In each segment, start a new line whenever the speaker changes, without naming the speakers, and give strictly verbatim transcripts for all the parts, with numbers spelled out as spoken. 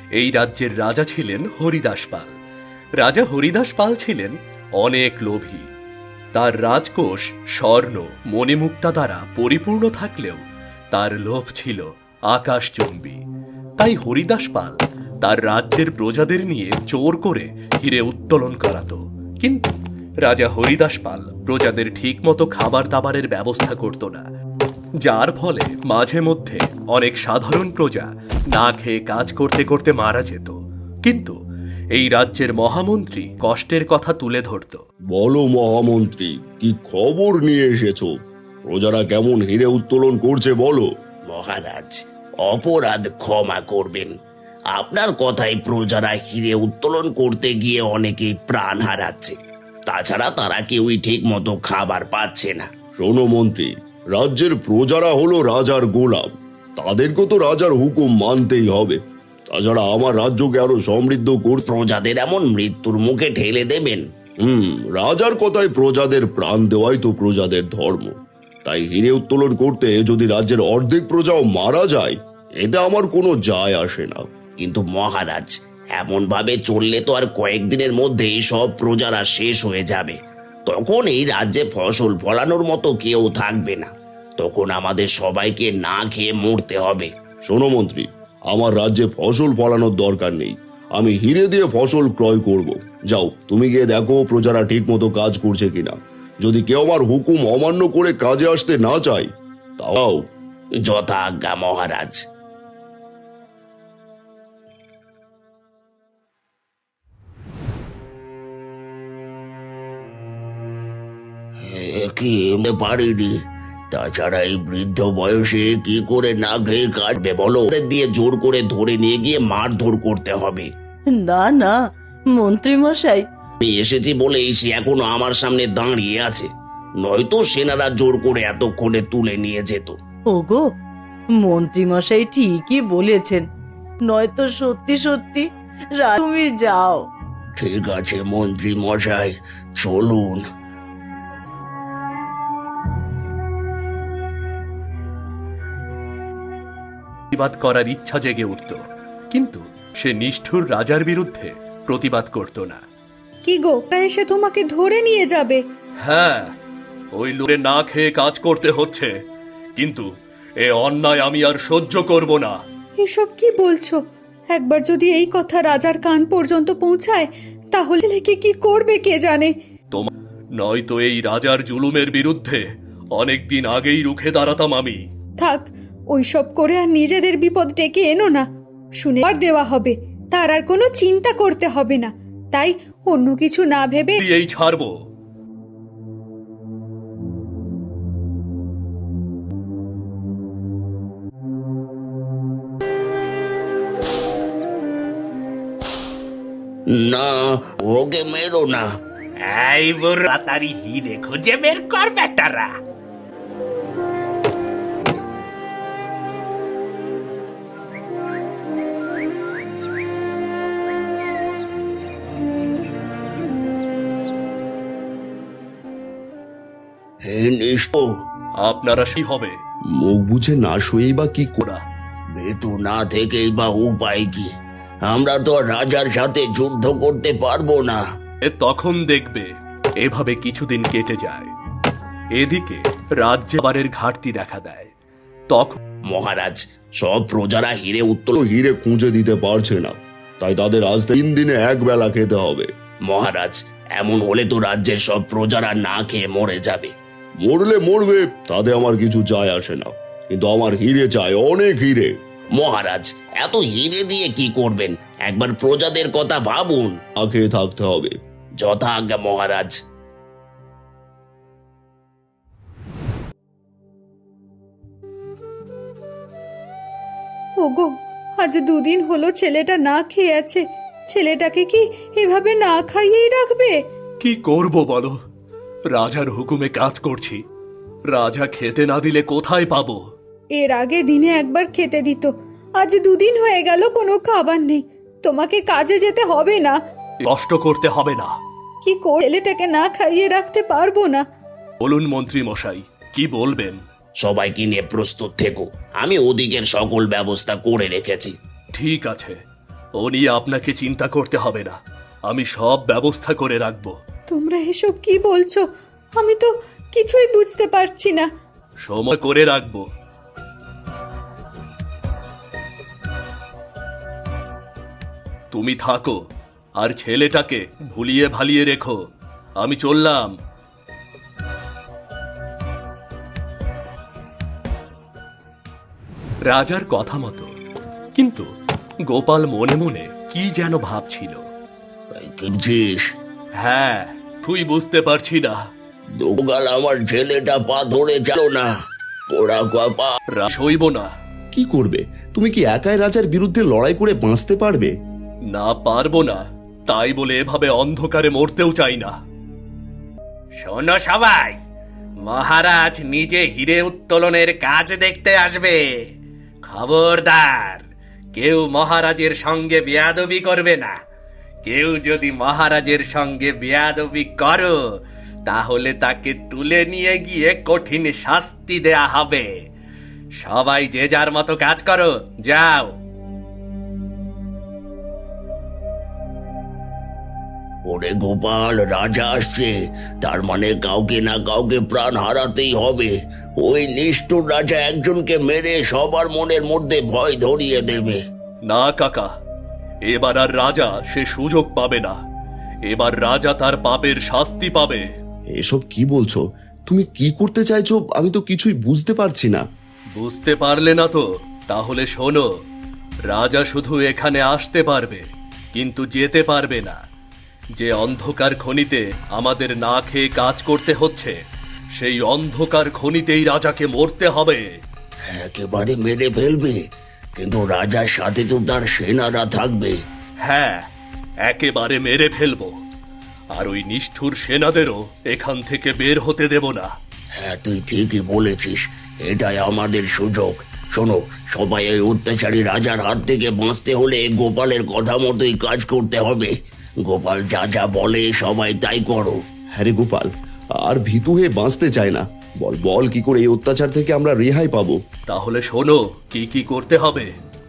এই রাজ্যের রাজা ছিলেন হরিদাস পাল। রাজা হরিদাস পাল ছিলেন অনেক লোভী। তার রাজকোষ স্বর্ণ মণিমুক্তা দ্বারা পরিপূর্ণ থাকলেও তার লোভ ছিল আকাশচুম্বী। তাই হরিদাস পাল তার রাজ্যের প্রজাদের নিয়ে চোর করে হিরে উত্তোলন করাত। কিন্তু রাজা হরিদাস পাল প্রজাদের ঠিকমতো খাবার দাবারের ব্যবস্থা করত না, যার ফলে মাঝে মধ্যে অনেক সাধারণ প্রজা না খেয়ে কাজ করতে করতে মারা যেত। কিন্তু এই রাজ্যের মহামন্ত্রী কষ্টের কথা তুলে ধরত।
বলো মহামন্ত্রী, কি খবর নিয়ে এসেছো? প্রজারা কেমন হিরে উত্তোলন করছে বলো।
মহারাজ, অপরাধ ক্ষমা করবেন। আপনার কথায় প্রজারা হিরে উত্তোলন করতে গিয়ে অনেকেই প্রাণ হারাচ্ছে। তাছাড়া তারা কেউই ঠিক মতো খাবার পাচ্ছে না।
শোনো মন্ত্রী, রাজ্যের প্রজারা হলো রাজার গোলাম, তাদেরকে তো রাজার হুকুম মানতেই হবে। তাছাড়া আমার রাজ্যকে আরো সমৃদ্ধ করতে
প্রজাদের এমন মৃত্যুর মুখে ঠেলে দেবেন?
হুম রাজার কথায় প্রজাদের প্রাণ দেওয়াই তো প্রজাদের ধর্ম। তাই হিরে উত্তোলন করতে যদি রাজ্যের অর্ধেক প্রজাও মারা যায়, এতে আমার কোনো যায় আসে না।
কিন্তু মহারাজ, এমন ভাবে চললে তো আর কয়েকদিনের মধ্যেই সব প্রজারা শেষ হয়ে যাবে। তখন এই রাজ্যে ফসল ফলানোর মতো কেউ থাকবে না। তখন আমাদের সবাইকে না খেয়ে মরতে হবে।
শোনো মন্ত্রী, আমার রাজ্যে ফসল ফলানোর দরকার নেই, আমি হিরে দিয়ে ফসল ক্রয় করব। যাও, তুমি গিয়ে দেখো প্রজারা ঠিক মতো কাজ করছে কিনা। যদি কেউ আমার হুকুম অমান্য করে কাজে আসতে না চায়, তাও।
যথা আজ্ঞা মহারাজ। কি পারিনি, তাছাড়া এই বৃদ্ধ বয়সে কি করে না খেয়ে কাটবে বলো? ওদের দিয়ে জোর করে ধরে নিয়ে গিয়ে মারধর করতে হবে।
না না মন্ত্রী মশাই,
আমি এসেছি বলেই সে এখনো আমার সামনে দাঁড়িয়ে আছে, নয়তো সেনারা জোর করে এতক্ষণে তুলে নিয়ে যেত।
ওগো, মন্ত্রী মশাই ঠিকই বলেছেন, নয়তো সত্যি সত্যি রা- তুমি যাও।
ঠিক আছে মন্ত্রী মশাই, চলুন।
প্রতিবাদ করার ইচ্ছা জেগে উঠত, কিন্তু সে নিষ্ঠুর রাজার বিরুদ্ধে প্রতিবাদ করত না।
কি গো, ওরা এসে তোমাকে ধরে নিয়ে যাবে?
হ্যাঁ, ওই লোকে না খেয়ে কাজ করতে হচ্ছে, কিন্তু এ অন্যায় আমি আর সহ্য করব না।
এসব কি বলছো? একবার যদি এই কথা রাজার কান পর্যন্ত পৌঁছায়, তাহলে কি কি করবে কে জানে।
তোমার নয়তো এই রাজার জুলুমের বিরুদ্ধে অনেকদিন আগেই রুখে দাঁড়াতাম আমি।
থাক, ওইসব করে আর নিজেদের বিপদ ডেকে এনো না। শুনে আর দেওয়া হবে, তার আর কোনো চিন্তা করতে হবে না। তাই অন্য কিছু না ভেবে
এই ছাড়বো।
না, ওকে মেরো না।
এই বুড়ো, তাড়াতাড়ি হিরে খুঁজে বের কর বেটারা।
হে নিষ্প,
আপনারা সেই হবে
মুখ বুঝে না শুয়েই বা কি করা।
ভেতু না থেকেই বা উপায় কি? আমরা তো আর রাজার সাথে যুদ্ধ করতে পারবো না।
এ তখন দেখবে। এভাবে কিছুদিন কেটে যায়। এদিকে রাজ্যে বারের ঘাটতি দেখা দেয়। তখন
মহারাজ, সব প্রজারা হিরে
তো
উত্তোলন।
হিরে খুঁজে দিতে পারছে না, তাই তাদের আজ তিন দিনে এক বেলা খেতে হবে।
মহারাজ, এমন হলে তো রাজ্যের সব প্রজারা না খেয়ে মরে যাবে।
মরলে মরবে, তাতে আমার কিছু যায় আসে না, কিন্তু আমার হিরে চাই, অনেক হিরে।
মহারাজ, এত হিরে দিয়ে কি করবেন? একবার প্রজাদের কথা ভাবুন।
না খেয়ে থাকতে হবে।
যথা আজ্ঞা মহারাজ।
ওগো, আজ দুদিন হলো ছেলেটা না খেয়ে আছে। ছেলেটাকে কি এভাবে না খাইয়েই রাখবে?
কি করব বলো? রাজার হুকুমে কাজ করছি, রাজা খেতে না দিলে কোথায় পাবো?
এর আগে দিনে একবার খেতে দিত, আজ দুদিন হয়ে গেল কোনো খাবার নেই। তোমাকে কাজে যেতে হবে না?
কষ্ট করতে হবে না।
কি করে ছেলেটাকে না খাইয়ে রাখতে পারবো না।
বলুন মন্ত্রী মশাই, কি বলবেন?
সবাইকে নিয়ে প্রস্তুত থেকো, আমি ওদিকের সকল ব্যবস্থা করে রেখেছি।
ঠিক আছে, ও নিয়ে আপনাকে চিন্তা করতে হবে না, আমি সব ব্যবস্থা করে রাখবো।
তোমরা এসব কি বলছো? আমি তো কিছুই বুঝতে পারছি না।
সময় করে রাখবো। তুমি থাকো আর ছেলেটাকে ভুলিয়ে ভালিয়ে রেখো। আমি চললাম। রাজার কথা মতো কিন্তু গোপাল মনে মনে কি যেন ভাবছিল।
কিনছিস?
হ্যাঁ, তুই বুঝতে পারছি না।
দোগাল আমার ছেলেটা পা ধরে চলো না, ওরা পা।
রা সইব না।
কি করবে? তুমি কি একাই রাজার বিরুদ্ধে লড়াই করে বাঁচতে পারবে?
না, পারবো না। তাই বলে এভাবে অন্ধকারে মরতেও চাই না।
শোনো সবাই, মহারাজ নিজে হিরে উত্তোলনের কাজ দেখতে আসবে। খবরদার, কেউ মহারাজের সঙ্গে বেয়াদবি করবে না। কেউ যদি মহারাজের সঙ্গে বেয়াদবি করো তাহলে তাকে তুলে নিয়ে গিয়ে কঠিন শাস্তি দেয়া হবে। সবাই যে যার মতো কাজ করো, যাও।
ওরে গোপাল, রাজা আসছে, তার মানে কাউকে না কাউকে প্রাণ হারাতেই হবে। ওই নিষ্ঠুর রাজা একজনকে মেরে সবার মনের মধ্যে ভয় ধরিয়ে দেবে।
না কাকা, এবার আর রাজা সে সুযোগ পাবে না। এবার রাজা তার পাপের শাস্তি পাবে।
এসব কি বলছো? তুমি কি করতে চাইছো আমি তো কিছুই বুঝতে পারছি না।
বুঝতে পারলে না তো? তাহলে শোনো, রাজা শুধু এখানে আসতে পারবে কিন্তু যেতে পারবে না। যে অন্ধকার খনিতে আমাদের না খেয়ে কাজ করতে হচ্ছে, সেই অন্ধকার খনিতেই রাজাকে মরতে হবে।
একেবারে মেরে ফেলবে, কিন্তু রাজার সাথে তো তার সেনারা থাকবে।
হ্যাঁ, একেবারে মেরে ফেলবো। আর ওই নিষ্ঠুর সেনাদেরও এখান থেকে বের হতে দেব না।
হ্যাঁ, তুই ঠিকই বলেছিস, এটাই আমাদের সুযোগ। শোনো, সবাই এই অত্যাচারী রাজার হাত থেকে বাঁচতে হলে গোপালের কথা মতোই কাজ করতে হবে। গোপাল যা যা বলে সবাই তাই করো।
হ্যাঁ রে গোপাল, আর ভীতু হয়ে বাঁচতে চায় না। বল বল কি করে এই অত্যাচার থেকে আমরা রেহাই পাবো?
তাহলে শোনো কি কি করতে হবে।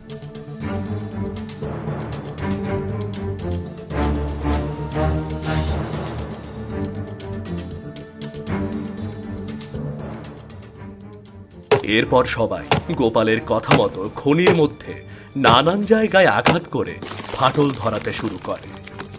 এরপর সবাই গোপালের কথা মতো খনির মধ্যে নানান জায়গায় আঘাত করে ফাটল ধরাতে শুরু করে।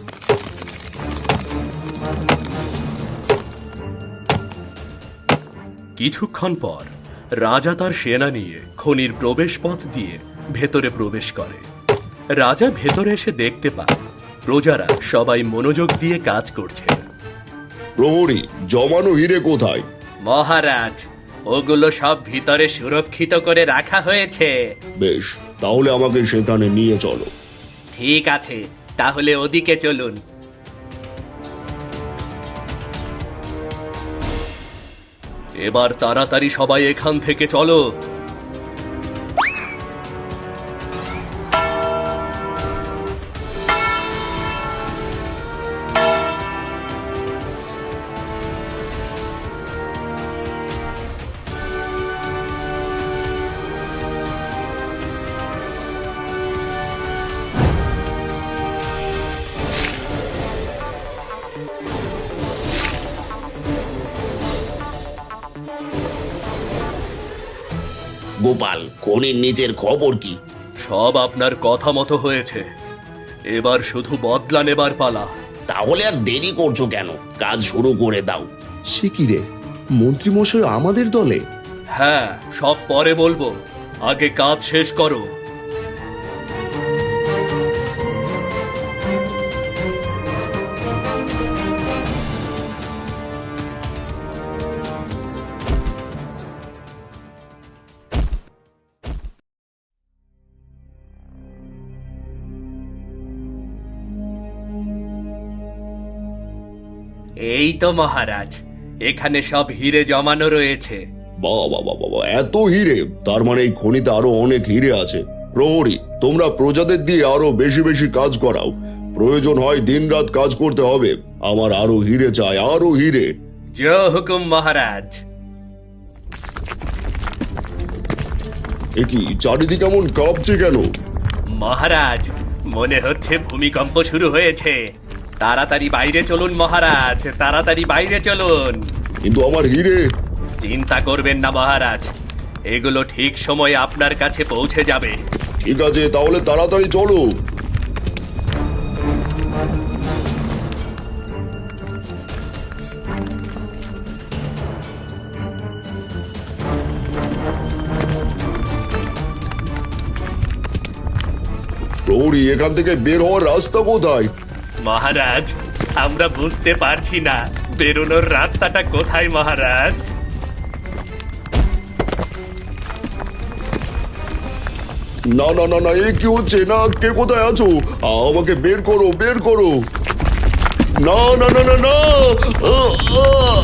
কিছুক্ষণ পর রাজা তার সেনা নিয়ে খনির প্রবেশ পথ দিয়ে ভেতরে প্রবেশ করে। রাজা ভেতরে এসে দেখতে পায় প্রজারা সবাই মনোযোগ দিয়ে কাজ করছে।
প্রহরী, জমানো হিরে কোথায়?
মহারাজ, ওগুলো সব ভিতরে সুরক্ষিত করে রাখা হয়েছে।
বেশ, তাহলে আমাকে সেখানে নিয়ে চলো।
ঠিক আছে, তাহলে ওদিকে চলুন।
এবার তাড়াতাড়ি সবাই এখান থেকে চলো।
গোপাল, খনির নিচের খবর কি?
সব আপনার কথা মতো হয়েছে। এবার শুধু বদলা নেবার পালা।
তাহলে আর দেরি করছো কেন? কাজ শুরু করে দাও।
সে কি রে, মন্ত্রীমশাই আমাদের দলে?
হ্যাঁ, সব পরে বলবো, আগে কাজ শেষ করো।
এই তো মহারাজ, এখানে সব হিরে জমানো রয়েছে।
বাবা বাবা বাবা, এত হিরে! তার মানে এই খনিতে আরো অনেক হিরে আছে। প্রহরী, তোমরা প্রজাদের দিয়ে আরো বেশি বেশি কাজ করাও। প্রয়োজন হয় দিনরাত কাজ করতে হবে। আমার আরো হিরে চাই, আরো হিরে।
জয় হুকুম মহারাজ।
এ কি, চারিদিকে এমন কাঁপছে কেন?
মহারাজ, মনে হচ্ছে ভূমিকম্প শুরু হয়েছে। তাড়াতাড়ি বাইরে চলুন মহারাজ, তাড়াতাড়ি বাইরে চলুন।
কিন্তু আমার হিরে।
চিন্তা করবেন না মহারাজ, এগুলো ঠিক সময়ে আপনার কাছে পৌঁছে যাবে।
ঠিক আছে, তাহলে তাড়াতাড়ি চলো। প্রহরী, এখান থেকে বের হওয়ার রাস্তা কোথায়?
মহারাজ, আমরা বুঝতে পারছি না বেরোনোর রাস্তাটা কোথায় মহারাজ।
না না না না, এ কি হচ্ছে? না, কে কোথায় আছো? আমাকে বের করো, বের করো। না না না না না। আহ, আহ।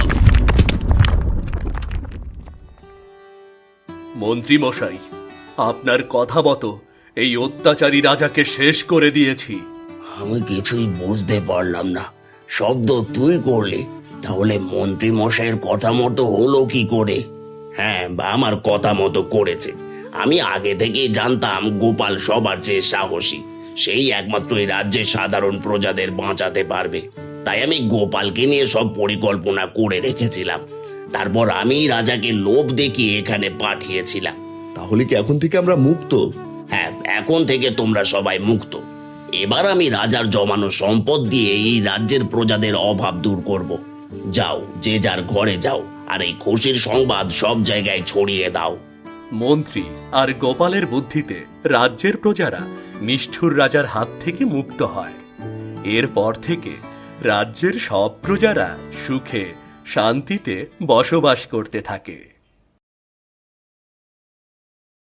মন্ত্রী মশাই, আপনার কথা মতো এই অত্যাচারী রাজাকে শেষ করে দিয়েছি।
আমি কিছুই বুঝতে পারলাম না। শব্দ তুই করলি, তাহলে মন্ত্রী মশাইয়ের কথা মতো হলো কি করে? হ্যাঁ, আমার কথা মতো করেছে। আমি আগে থেকেই জানতাম গোপাল সবার চেয়ে সাহসী, সেই একমাত্র এই রাজ্যের সাধারণ প্রজাদের বাঁচাতে পারবে। তাই আমি গোপালকে নিয়ে সব পরিকল্পনা করে রেখেছিলাম। তারপর আমি রাজাকে লোভ দেখিয়ে এখানে পাঠিয়েছিলাম।
তাহলে কি এখন থেকে আমরা মুক্ত?
হ্যাঁ, এখন থেকে তোমরা সবাই মুক্ত। এবার আমি রাজার জমানো সম্পদ দিয়ে এই রাজ্যের প্রজাদের অভাব দূর করব। যাও, যে যার ঘরে যাও, আর এই খুশির সংবাদ সব জায়গায় ছড়িয়ে দাও।
মন্ত্রী আর গোপালের বুদ্ধিতে রাজ্যের প্রজারা নিষ্ঠুর রাজার হাত থেকে মুক্ত হয়। এরপর থেকে রাজ্যের সব প্রজারা সুখে শান্তিতে বসবাস করতে থাকে।